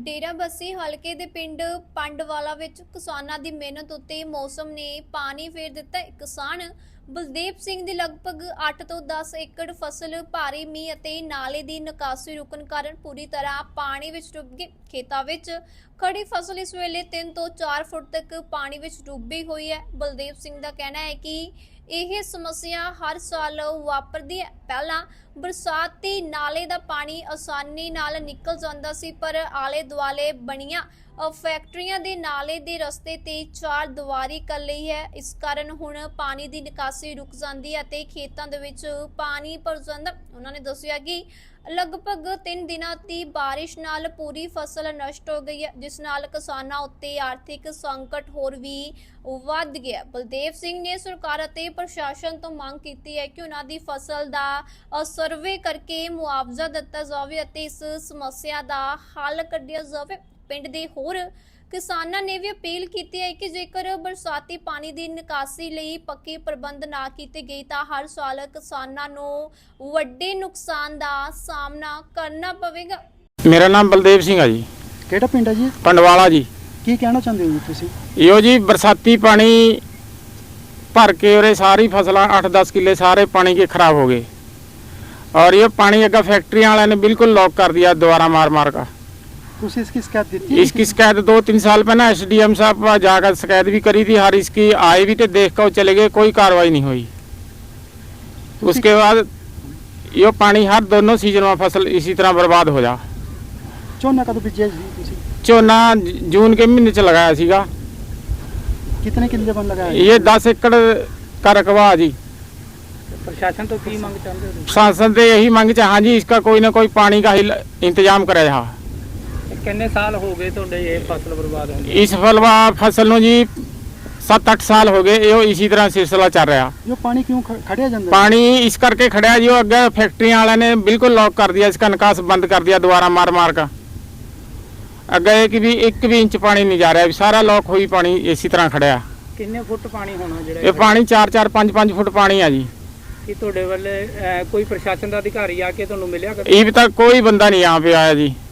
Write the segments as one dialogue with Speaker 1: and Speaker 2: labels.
Speaker 1: ਡੇਰਾਬੱਸੀ ਹਲਕੇ ਦੇ ਪਿੰਡ ਪੰਡਵਾਲਾ ਵਿੱਚ ਕਿਸਾਨਾਂ ਦੀ ਮਿਹਨਤ ਉੱਤੇ ਮੌਸਮ ਨੇ ਪਾਣੀ ਫੇਰ ਦਿੱਤਾ। ਕਿਸਾਨ ਬਲਦੇਵ ਸਿੰਘ ਦੀ ਲਗਭਗ 8 ਤੋਂ 10 ਏਕੜ ਫਸਲ ਭਾਰੀ ਮੀਂਹ ਅਤੇ ਨਾਲੇ ਦੀ ਨਿਕਾਸੀ ਰੁਕਣ ਕਾਰਨ ਪੂਰੀ ਤਰ੍ਹਾਂ ਪਾਣੀ ਵਿੱਚ ਡੁੱਬ ਗਈ। ਖੇਤਾਂ ਵਿੱਚ ਖੜੀ ਫਸਲ ਇਸ ਵੇਲੇ 3 ਤੋਂ 4 ਫੁੱਟ ਤੱਕ ਪਾਣੀ ਵਿੱਚ ਡੁੱਬੀ ਹੋਈ ਹੈ। ਬਲਦੇਵ ਸਿੰਘ ਦਾ ਕਹਿਣਾ ਹੈ ਕਿ ਇਹ ਸਮੱਸਿਆ ਹਰ ਸਾਲ ਵਾਪਰਦੀ ਹੈ। ਪਹਿਲਾਂ ਬਰਸਾਤੀ ਨਾਲੇ ਦਾ ਪਾਣੀ ਆਸਾਨੀ ਨਾਲ ਨਿਕਲ ਜਾਂਦਾ ਸੀ, ਪਰ ਆਲੇ ਦੁਆਲੇ ਬਣੀਆਂ ਫੈਕਟਰੀਆਂ ਦੇ ਨਾਲੇ ਦੇ ਰਸਤੇ ਤੇ ਚਾਰ ਦੀਵਾਰੀ ਕਰ ਲਈ ਹੈ। ਇਸ ਕਾਰਨ ਹੁਣ ਪਾਣੀ ਦੀ ਨਿਕਾਸੀ ਰੁਕ ਜਾਂਦੀ ਹੈ ਤੇ ਖੇਤਾਂ ਦੇ ਵਿੱਚ ਪਾਣੀ ਭਰ ਜਾਂਦਾ। ਉਹਨਾਂ ਨੇ ਦੱਸਿਆ ਕਿ ਲਗਭਗ 3 ਦਿਨਾਂ ਦੀ ਬਾਰਿਸ਼ ਨਾਲ ਪੂਰੀ ਫਸਲ ਨਸ਼ਟ ਹੋ ਗਈ ਹੈ, ਜਿਸ ਨਾਲ ਕਿਸਾਨਾਂ ਉੱਤੇ ਆਰਥਿਕ ਸੰਕਟ ਹੋਰ ਵੀ ਵੱਧ ਗਿਆ। ਬਲਦੇਵ ਸਿੰਘ ਨੇ ਸਰਕਾਰ ਅਤੇ ਪ੍ਰਸ਼ਾਸਨ ਤੋਂ ਮੰਗ ਕੀਤੀ ਹੈ ਕਿ ਉਹਨਾਂ ਦੀ ਫਸਲ ਦਾ ਸਰਵੇ ਕਰਕੇ ਮੁਆਵਜ਼ਾ ਦਿੱਤਾ ਜਾਵੇ ਅਤੇ ਇਸ ਸਮੱਸਿਆ ਦਾ ਹੱਲ ਕੱਢਿਆ ਜਾਵੇ। ਪਿੰਡ ਦੇ ਹੋਰ ਕਿਸਾਨਾਂ ਨੇ ਵੀ ਅਪੀਲ ਕੀਤੀ ਹੈ ਕਿ ਜੇਕਰ ਬਰਸਾਤੀ ਪਾਣੀ ਦੀ ਨਿਕਾਸੀ ਲਈ ਪੱਕੇ ਪ੍ਰਬੰਧ ਨਾ ਕੀਤੇ ਗਏ ਤਾਂ ਹਰ ਸਾਲ ਕਿਸਾਨਾਂ ਨੂੰ ਵੱਡੇ ਨੁਕਸਾਨ ਦਾ ਸਾਹਮਣਾ ਕਰਨਾ ਪਵੇਗਾ।
Speaker 2: ਮੇਰਾ ਨਾਮ ਬਲਦੇਵ ਸਿੰਘ ਹੈ ਜੀ।
Speaker 3: ਕਿਹੜਾ ਪਿੰਡ ਹੈ ਜੀ?
Speaker 2: ਪੰਡਵਾਲਾ ਜੀ।
Speaker 3: ਕੀ ਕਹਿਣਾ ਚਾਹੁੰਦੇ ਹੋ ਜੀ ਤੁਸੀਂ?
Speaker 2: ਇਹੋ ਜੀ ਬਰਸਾਤੀ ਪਾਣੀ ਭਰ के और सारी फसल 8-10 किले सारे पानी के खराब हो गए और ये पानी अगर फैक्ट्री वाले ने बिल्कुल लॉक कर दिया दोबारा मार का।
Speaker 3: इसकी शिकायत दी थी?
Speaker 2: इसकी शिकायत 2-3 साल पहले SDM साहब जाकर शिकायत भी करी थी। हर इसकी आए भी थे, देख कर चले गए, कोई कार्रवाई नहीं हुई। उसके बाद ये पानी हर दोनों सीजन में फसल इसी तरह बर्बाद हो जा।
Speaker 3: झोना कदों बीजिया जी?
Speaker 2: झोना जून के महीने च लगाया सीगा।
Speaker 3: कितने किले बन लगाया?
Speaker 2: ये 10 एकड़ का रकबा जी।
Speaker 3: प्रशासन तो की मांग चाहते हो?
Speaker 2: प्रशासन से यही मांग हाँ जी, इसका कोई ना कोई पानी का इंतजाम करे। हाँ,
Speaker 3: कितने साल हो गए तो ये फसल बर्बाद हो गई?
Speaker 2: इस फसल ਨੂੰ जी 7-8 साल हो गए। यो इसी तरह सिलसिला चल रहा।
Speaker 3: यो पानी क्यों खड़िया जाता?
Speaker 2: पानी इस करके खड़ा जो अगे फैक्ट्री वाले ने बिल्कुल लॉक कर दिया, इसका निकास बंद कर दिया दोबारा मार का। अगे एक भी इंच पानी नहीं जा रहा, सारा लॉक हुई पानी इसी तरह खड़ा।
Speaker 3: कितने फुट पानी होना जो?
Speaker 2: ये पानी 4-4, 5-5 फुट पानी है जी।
Speaker 3: कि ਤੁਹਾਡੇ ਵੱਲੇ कोई प्रशासन का अधिकारी आके ਤੁਹਾਨੂੰ ਮਿਲਿਆ?
Speaker 2: अभी तक कोई बंदा नहीं यहाँ पे आया जी।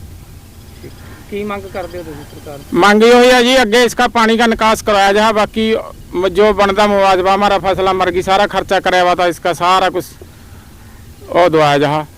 Speaker 3: की मांग करते हो सरकार?
Speaker 2: मांग ये है जी अगे इसका पानी का निकास करवाया जाए, बाकी जो बनता मुआवजा हमारा फसल मर गई सारा खर्चा कराया हुआ था, इसका सारा कुछ और दवाया जा।